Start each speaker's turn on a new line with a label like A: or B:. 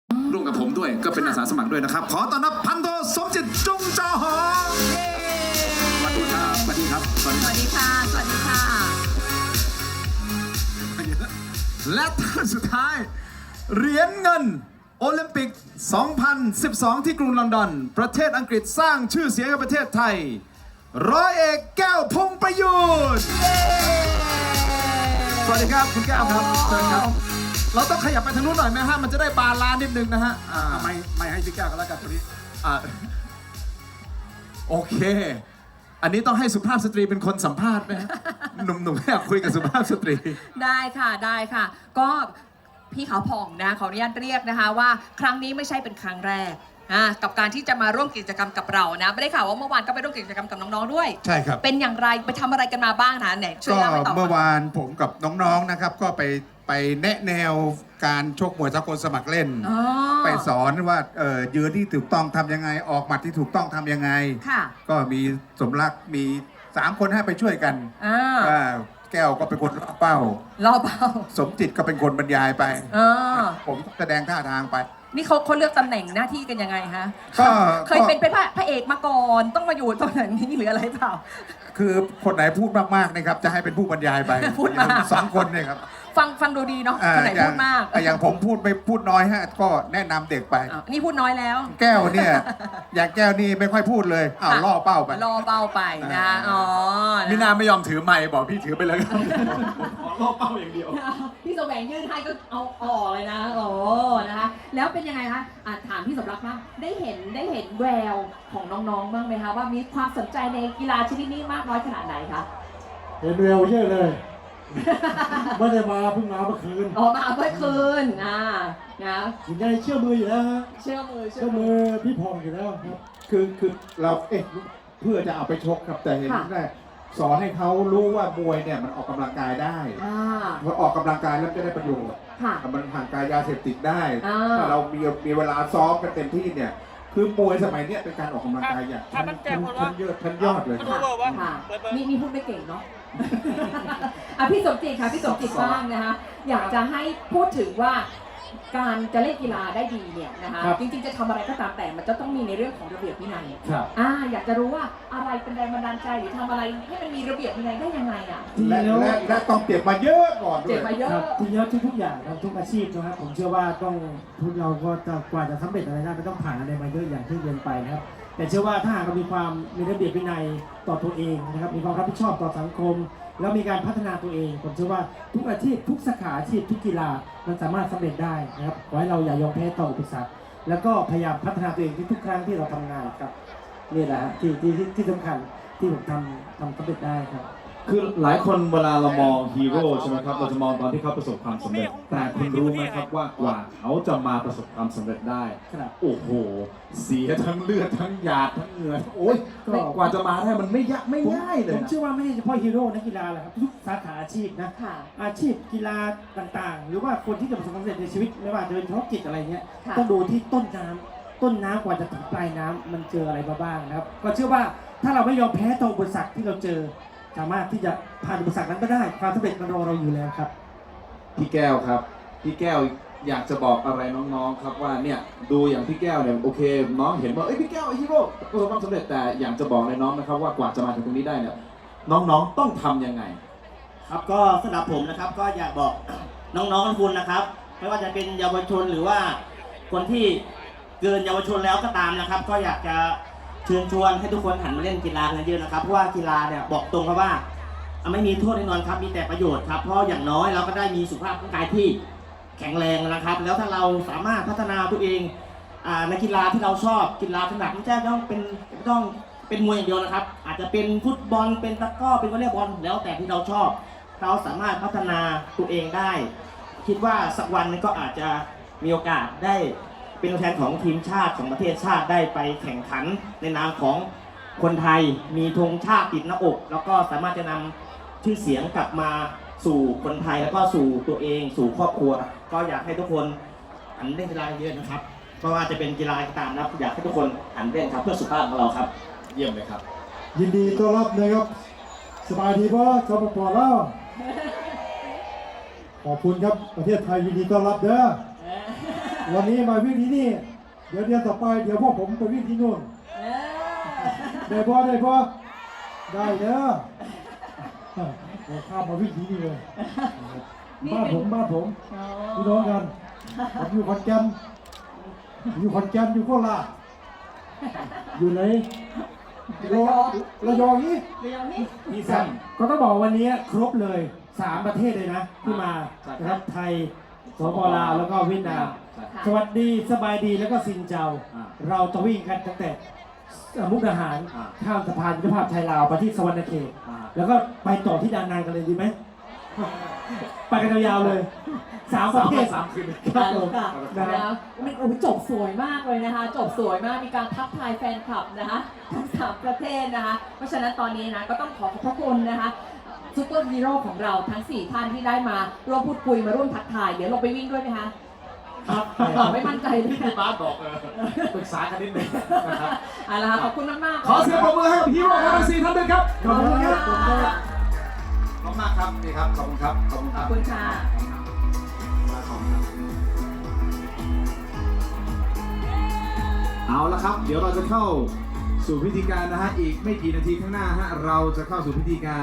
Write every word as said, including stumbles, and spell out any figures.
A: ร่วมกับผมด้วยก็เป็นอาสาสมัครด้วยนะครับขอต้อนรับพันโทสมจิตจงจอหอสวัสดีครับสวัสดีครับสวัสดีค่ะสวัสดีค่ะและท่านสุดท้ายเหรียญเงินโอลิมปิก สองพันสิบสอง ที่กรุงลอนดอนประเทศอังกฤษสร้างชื่อเสียงให้ประเทศไทยร้อยเอกแก้วพงษ์ประยุทธ์สวัสดีครับคุณแก้วครับเชิญครับเราต้องขยับไปทางนู้นหน่อยไหมฮะมันจะได้บาลานซ์นิดนึงนะฮะไม่ไม่ให้พี่แก้วกันแล้วกันตัวนี้โอเคอันนี้ต้องให้สุภาพสตรีเป็นคนสัมภาษณ์ไหมฮะหนุ่มๆอยากคุยกับสุภาพสตรี
B: ได้ค่ะได้ค่ะก็พี่ขาวผ่องนะขออนุญาตเรียกนะคะว่าครั้งนี้ไม่ใช่เป็นครั้งแรกกับการที่จะมาร่วมกิจกรรมกับเรานะไม่ได้ข่าวว่าเมื่อวานก็ไปร่วมกิจกรรมกับน้องๆด้วย
C: ใช่ครับ
B: เป็นอย่างไรไปทำอะไรกันมาบ้างนะเนี่ยช่วยเล่าให้ต่อ
C: ก็เมื่อวานผมกับน้องๆนะครับก็ไปไปแนะแนวการชกมวยสากลสมัครเล่นไปสอนว่าเออยืนที่ถูกต้องทำยังไงออกหมัดที่ถูกต้องทำยังไงก็มีสมรักมีสามคนให้ไปช่วยกันแก้วก็เป็นคนล่อเป้า
B: ล่อเป้า
C: สมจิตก็เป็นคนบรรยายไปผมแสดงท่าทางไป
B: นี่เขาเขาเลือกตำแหน่งหน้าที่กันยังไงฮะ
C: ก็
B: เคยเป็นเป็นพระเอกมาก่อนต้องมาอยู่ตำแหน่งนี้หรืออะไรเปล่า
C: คือคนไหนพูดมากๆนะครับจะให้เป็นผู้บรรยายไป
B: พูดมาก
C: สองคนเนี่ยครับ
B: ฟังฟังดูดีเนาะคนไหนพูดมาก
C: อย่างผมพูดไม่พูดน้อยฮะก็แนะนำเด็กไป
B: นี่พูดน้อยแล้ว
C: แก้วเนี่ยอย่างแก้วนี่ไม่ค่อยพูดเลยอ้าวล่อเป้าไป
B: ล่อเป้าไปนะอ๋อ
A: มินาไม่ยอมถือไมค์บอกพี่ถือไปเลยขอล่อเป้าอย่างเดียว
B: พี่แสวงยื่นให้ก็เอาออกเลยนะโอ้นะคะแล้วเป็นยังไงคะถามพี่สมรักบ้างได้เห็นได้เห็นแววของน้องๆบ้างไหมคะว่ามีความสนใจในกีฬาชนิดนี้มากน้อยขนาดไหนคะ
D: เห็นแววเยอะเลยไม่ได้มาเพิ่งมาเมื่อคืน
B: อ๋อมาเมื่อคืนอ่านะ
D: ยังไงเชื่อมืออยู่แล้วฮะ
B: เชื่อมือ
D: เชื่อมือพี่พองอยู่แล้วครับ
C: คือคือเราเอ๊ะเพื่อจะเอาไปชกครับแต่เห็นแค่สอนให้เขารู้ว่ามวยเนี่ยมันออกกำลังกายได้พอออกกำลังกายแล้วจะได้ประโยชน์มันห่างกายยาเสพติดได้ถ้าเรามีมีเวลาซ้อมกันเต็มที่เนี่ยคือมวยสมัยนี้เป็นการออกกำลังกายอย่างทันทันเยอะทันยอดเลย
B: ค่ะมีมีพูดไม่เก่งเนาะอ่ะพี่สมจิตค่ะพี่สมจิตบ้างนะคะอยากจะให้พูดถึงว่าการจะเล่นกีฬาได้ดีเนี่ยนะคะจริงๆจะทำอะไรก็ตามแต่มันจะต้องมีในเรื่องของระเบียบวินัยอ่าอยากจะรู้ว่าอะไรเป็นแรงบันดาลใจหรือทำอะไรให้มันมีระเบียบวินัยได้ยังไงอ่ะ
C: และและต้องเก็บมาเยอะก่อนด้วย
B: เก็บมาเยอะ
D: ทีเยอะทุกๆอย่างทุกอาชีพนะครับผมเชื่อว่าต้องทุกเราก็จะกว่าจะสำเร็จอะไรได้ไม่ต้องผ่านอะไรมาเยอะอย่างที่เรียนไปนะครับแต่เชื่อว่าถ้าหากเรามีความมีระเบียบวินัยต่อตัวเองนะครับมีความรับผิดชอบต่อสังคมแล้วมีการพัฒนาตัวเองผมเชื่อว่าทุกอาชีพทุกสาขาอาชีพทุกกีฬามันสามารถสำเร็จได้นะครับขอให้เราอย่ายอมแพ้ต่ออุปสรรคแล้วก็พยายามพัฒนาตัวเองทุกครั้งที่เราทำงานครับนี่แหละที่ที่ที่สำคัญที่ผมทำทำสำเร็จได้ครับ
A: คือหลายคนเวลาเรามองฮีโร่ใช่ไหมครับเราจะมองตอนที่เขาประสบความสำเร็จแต่คุณรู้ไหมครับว่ากว่าเขาจะมาประสบความสำเร็จได้โอ้โหเสียทั้งเลือดทั้งหยาดทั้งเหงื่อโอ้ยกว่าจะมาได้มันไม่ยากไม่ง่ายเลย
D: ผมเชื่อว่าไม่ใช่เฉพาะฮีโร่นักกีฬาแหละครับทุกสาขาอาชีพนะอาชีพกีฬาต่างๆหรือว่าคนที่จะประสบความสำเร็จในชีวิตไม่ว่าจะเป็นธุรกิจอะไรเงี้ยต้องดูที่ต้นน้ำต้นน้ำกว่าจะถึงปลายน้ำมันเจออะไรมาบ้างนะครับก็เชื่อว่าถ้าเราไม่ยอมแพ้ต่ออุปสรรคที่เราเจอสามารถที่จะผ่านอุปสรรคนั้นก็ได้ความสำเร็จมันรอเราอยู่แล้วครับ
A: พี่แก้วครับพี่แก้วอยากจะบอกอะไรน้องๆครับว่าเนี่ยดูอย่างพี่แก้วเนี่ยโอเคน้องเห็นว่าเอ้ยพี่แก้วฮีโร่ประสบความสำเร็จแต่อยากจะบอกในน้องนะครับว่ากว่าจะมาถึงตรงนี้ได้เนี่ยน้องๆต้องทำยังไง
E: ครับก็สำหรับผมนะครับก็อยากบอกน้องๆทุกคนนะครับไม่ว่าจะเป็นเยาวชนหรือว่าคนที่เกินเยาวชนแล้วก็ตามนะครับก็อยากจะเชิญชวนให้ทุกคนหันมาเล่นกีฬากันเยอะนะครับเพราะว่ากีฬาเนี่ยบอกตรงครับว่าไม่มีโทษแน่นอนครับมีแต่ประโยชน์ครับเพราะอย่างน้อยเราก็ได้มีสุขภาพร่างกายที่แข็งแรงนะครับแล้วถ้าเราสามารถพัฒนาตัวเองในกีฬาที่เราชอบกีฬาถนัดไม่ใช่ต้องเป็นต้องเป็นมวยอย่างเดียวนะครับอาจจะเป็นฟุตบอลเป็นตะกร้อเป็นวอลเลย์บอลแล้วแต่ที่เราชอบเราสามารถพัฒนาตัวเองได้คิดว่าสักวันนึงก็อาจจะมีโอกาสได้เป็นตัวแทนของทีมชาติของประเทศชาติได้ไปแข่งขันในนามของคนไทยมีธงชาติติดหน้าอกแล้วก็สามารถจะนำชื่อเสียงกลับมาสู่คนไทยแล้วก็สู่ตัวเองสู่ครอบครัวก็อยากให้ทุกคนหันเล่นกีฬาเยอะนะครับเพราะว่าจะเป็นกีฬาต่างๆนะอยากให้ทุกคนหันเล่นครับเพื่อสุขภาพของเราครับเยี่ยมเลยครับ
D: ยินดีต้อนรับนะครับสบายดีป่ะชาวปอแล้วขอบคุณครับประเทศไทยยินดีต้อนรับเด้อวันนี้มาวิ่งที่นี่ เดี๋ยวเดือนต่อไปเดี๋ยวพวกผมไปวิ่งที่นู่น
B: เออ
D: ได้พอได้พอได้เด้อเดี๋ยวข้ามมาวิ่งที่นี่เลยบ้านผมบ้านผม
B: อ๋อ
D: พี่น้องกันผมอยู่ขอนแก่นอยู่ขอนแก่นอยู่โคราชอยู่ไหนระยองระยองนี่
B: เดี๋ยวนี้
A: พี่สั้น
D: ก็ต้องบอกวันนี้ครบเลยสามประเทศเลยนะที่มา
A: ใช่ครับ
D: นะครับไทยสปปลาวแล้วก็เวียดนาม
A: ใช่
D: สวัสดีสบายดีแล้วก็ซินเจ้า
A: อ่า
D: เราจะวิ่งกันตั้งแต่มุกดาหาร
A: อ่า
D: ข้ามสะพานมิตรภาพไทยลาวไปที่สวรรณเขต
A: อ่า
D: แล้วก็ไปต่อที่ดานนางกันเลยดีไหม ไปกันยาวๆเลยสามประเทศ
A: สามคืน
D: ครับผม
B: ค่ะ
D: นะ
B: แล้วมันโอ้โหจบสวยมากเลยนะคะ จบสวยมาก มีการทักทายแฟนคลับนะคะทั้งสามประเทศนะคะ เพราะฉะนั้นตอนนี้นะก็ต้องขอขอบพระคุณนะคะซูเปอร์ฮีโร่ของเราทั้งสี่ท่านที่ได้มาร่วมพูดคุยมาร่วมทักทาย เดี๋ยวลงไปวิ่งด้วยไหมคะ
D: ครับ
B: ไม่มั่นใจเลย
A: พี่บ้าสบอกเออปรึกษากันนิดนึงนะครับ
B: เอาละค่ะขอบคุณมากๆ
A: ขอเสียงปรบมือให้กับฮีโร่ของเราสี่ท่านด้วยครับ
D: ขอบคุณครับ
A: ขอบคุณครับขอบคุณมากครับนี่ครับ ขอบคุณครับ ขอบคุณค
B: ข
A: รั
B: อ
A: บบ
B: คุณค่ะ
A: ขอบคุณครับ เอาละครับ เดี๋ยวเราจะเข้าสู่พิธีการนะฮะ อีกไม่กี่นาทีข้างหน้าฮะ เราจะเข้าสู่พิธีการ